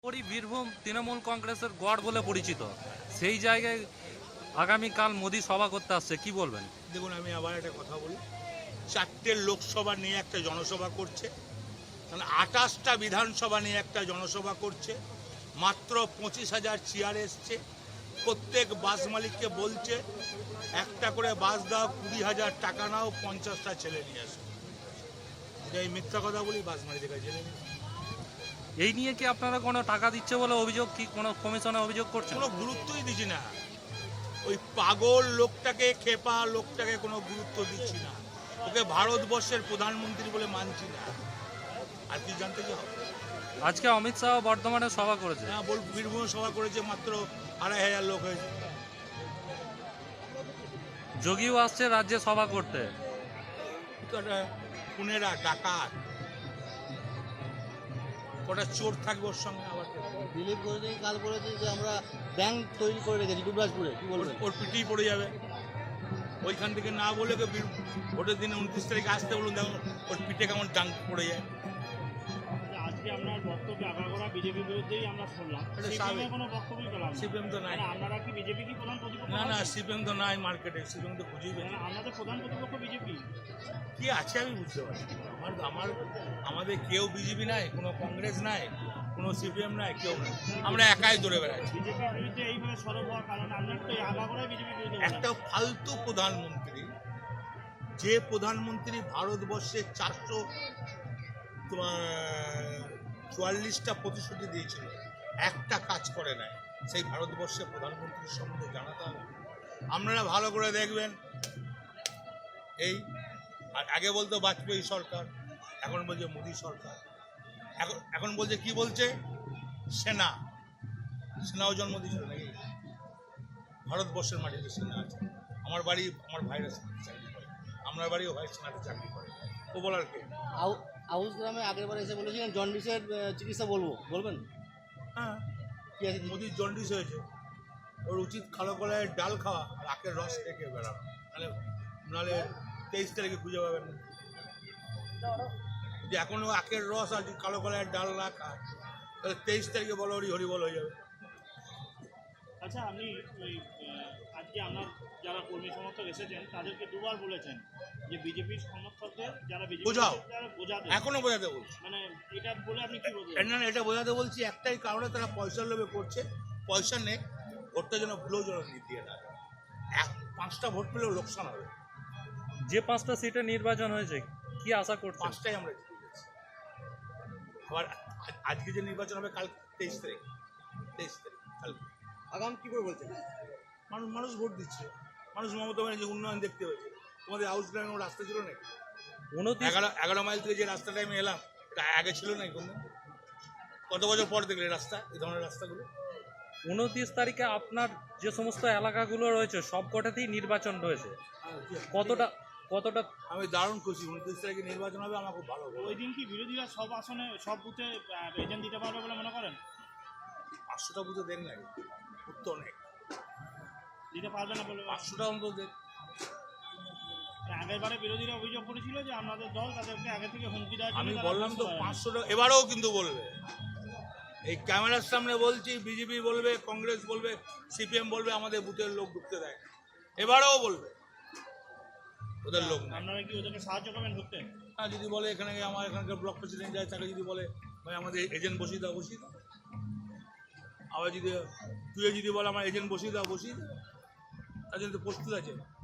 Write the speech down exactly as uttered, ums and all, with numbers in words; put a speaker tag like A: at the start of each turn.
A: বীরভূম তৃণমূল কংগ্রেসের গড় বলে পরিচিত, সেই জায়গায় আগামীকাল মোদি সভা করতে আসছে, কি বলবেন?
B: দেখুন, আমি আবার একটা কথা বলি, চারটে লোকসভা নিয়ে একটা জনসভা করছে, মানে আঠাশটা বিধানসভা নিয়ে একটা জনসভা করছে, মাত্র পঁচিশ হাজার চেয়ার এসছে, প্রত্যেক বাস মালিককে বলছে একটা করে বাস দাও, কুড়ি হাজার টাকা নাও, পঞ্চাশটা ছেলে নিয়ে আসো। এই মিথ্যা কথা বলি, বাস মালিকের কাছে জেনে নিন।
A: এই নিয়ে কি আপনারা কোনো টাকা দিচ্ছে বলে অভিযোগ, কি কোনো কমিশনে অভিযোগ করছেন?
B: কোনো গুরুত্বই দিচ্ছি না, ওই পাগল লোকটাকে, খেপা লোকটাকে কোনো গুরুত্ব দিচ্ছি না, ওকে ভারতবর্ষের প্রধানমন্ত্রী বলে মানছি না। আর কি জানতে কি হবে?
A: আজকে অমিত শাহ বর্ধমানে সভা করেছে।
B: হ্যাঁ, বল, বীরভূমে সভা করেছে, মাত্র আড়াই হাজার লোক হয়েছে।
A: যোগীও আসছে রাজ্যে সভা করতে।
B: পুনেরা ডাকাত, কটা চোর থাকবে ওর সঙ্গে। আবার
C: দিলীপ ঘোষ কাল বলেছে যে আমরা ব্যাংক তৈরি করে রেখেছি দুবরাজপুরে, কি বলবেন?
B: ওর পিটিই পড়ে যাবে। ওইখান থেকে না বলে ভোটের দিনে উনত্রিশ তারিখে আসতে বলুন, দেখুন ওর পিঠে কেমন ডাং পড়ে যায়।
D: আজকে আপনার বক্তব্য আগাগোড়া বিজেপির বিরুদ্ধেই আমরা শুনলাম, সিপিএমের কোনো বক্তব্যই পেলাম না।
B: সিপিএম তো নাই।
D: আপনারা কি বিজেপি কি প্রধান প্রতিপক্ষ?
B: না না, সিপিএম তো নাই মার্কেটে, সিপিএম তো খুঁজেই পেন।
D: আপনাদের প্রধান প্রতিপক্ষ বিজেপি
B: কি আছে আমি বুঝতে পারছি। আমার আমার আমাদের কেউ বিজেপি নাই, কোনো কংগ্রেস নাই, কোনো সিপিএম নাই, কেউ নাই, আমরা একাই দৌড়ে বেড়াচ্ছি।
D: বিজেপির বিরুদ্ধে এইভাবে সরব হওয়ার কারণ আপনার তো আগাগোড়াই বিজেপির বিরুদ্ধে।
B: একটা ফালতু প্রধানমন্ত্রী, যে প্রধানমন্ত্রী ভারতবর্ষে চারশো চুয়াল্লিশটা প্রতিশ্রুতি দিয়েছিল, একটা কাজ করে নাই, সেই ভারতবর্ষের প্রধানমন্ত্রীর সম্বন্ধে জানাতে হবে। আপনারা ভালো করে দেখবেন, এই আর আগে বলতো বাজপেয়ী সরকার, এখন বলছে মোদী সরকার। এখন এখন বলছে কি বলছে, সেনা, সেনাও জন্ম দিয়েছিল নাকি? ভারতবর্ষের মাটিতে সেনা আছে। আমার বাড়ি, আমার ভাইরা সেনাতে চাকরি করে, আমার বাড়িও ভাই সেনাতে চাকরি করে। ও বলার কে?
C: আউস গ্রামে আগের বার এসে বলেছিলেন জন্ডিসের চিকিৎসা বলবো, বলবেন?
B: হ্যাঁ,
C: কি আছে?
B: মোদির জন্ডিস হয়েছে, ওর উচিত কালো কলায় ডাল খাওয়া আর আখের রস খেয়ে বেড়ানো, নাহলে নাহলে তেইশ তারিখে খুঁজে পাবেন না। যদি এখনো আখের রস আর কালো কলায় ডাল না খায়, তাহলে তেইশ তারিখে বলো হরি হরি বল হয়ে যাবে।
D: আচ্ছা, আপনি ওই আজকে আপনার যারা কর্মী সমর্থক এসেছেন তাদেরকে দুবার বলেছেন যে বিজেপির সমর্থকদের যারা বিজেপি
B: বোঝাও,
D: বোঝাতে,
B: এখনো বোঝাতে বলছি।
D: মানে এটা বলে আপনি কি বলবেন?
B: না, এটা বোঝাতে বলছি একটাই কারণে, তারা পয়সার লোভে করছে। পয়সা নেই, ভোটটা যেন ভুলেও যেন দিয়ে না, এক পাঁচটা ভোট পেলেও লোকসান হবে।
A: যে পাঁচটা সিটে নির্বাচন হয়েছে, কি আশা করছেন?
B: পাঁচটাই আমরা জিতে গেছি। আবার আজকে যে নির্বাচন হবে কাল তেইশ তারিখ, তেইশ তারিখ কালকে
C: আগাম কি করে বলছেন?
B: মানুষ মানুষ ভোট দিচ্ছে, মানুষ মমতা ব্যানার্জি উন্নয়ন দেখতে হয়েছে। তোমাদের হাউস গ্রামে রাস্তা ছিল নাকি?
A: উনত্রিশ
B: এগারো এগারো মাইল থেকে যে রাস্তাটা আমি এলাম, এটা আগে ছিল নাকি কোনো? কত বছর পর দেখলে রাস্তা, এই ধরনের রাস্তাগুলো?
A: উনত্রিশ তারিখে আপনার যে সমস্ত এলাকাগুলো রয়েছে সব কটাতেই নির্বাচন রয়েছে, কতটা কতটা
B: আমি দারুণ খুশি। উনত্রিশ তারিখে নির্বাচন হবে, আমার খুব ভালো হবে।
D: ওই দিন কি বিরোধীরা সব আসনে সব বুথে এজেন্ট দিতে পারবে বলে মনে করেন?
B: পাঁচশোটা বুঝে দেন না, উত্তর অনেক,
D: দিতে পারবে না বলে?
B: পাঁচশোটা অন্তত দেন।
D: আগের বারে বিরোধীরা অভিযোগ করেছিল যে আপনাদের দল তাদেরকে আগে থেকে হুমকি দেওয়ার জন্য।
B: আমি বললাম তো পাঁচশোটা, এবারেও কিন্তু বলবে। এই ক্যামেরার সামনে বলছি, বিজেপি বলবে, কংগ্রেস বলবে, সিপিএম বলবে আমাদের বুথের লোক ঢুকতে দেয়, এবারেও বলবে ওদের লোক না।
D: আপনারা কি ওদেরকে সাহায্য করবেন ঢুকতে?
B: হ্যাঁ, যদি বলে এখানে আমার এখানকার ব্লক প্রেসিডেন্ট যায়, তাকে যদি বলে ভাই আমাদের এজেন্ট বসিয়ে দাও, বসিয়ে দাও। আবার যদি তুই যদি বলে আমার এজেন্ট বসিয়ে দাও, বসিয়ে দাও। তার জন্য তো প্রস্তুত আছে।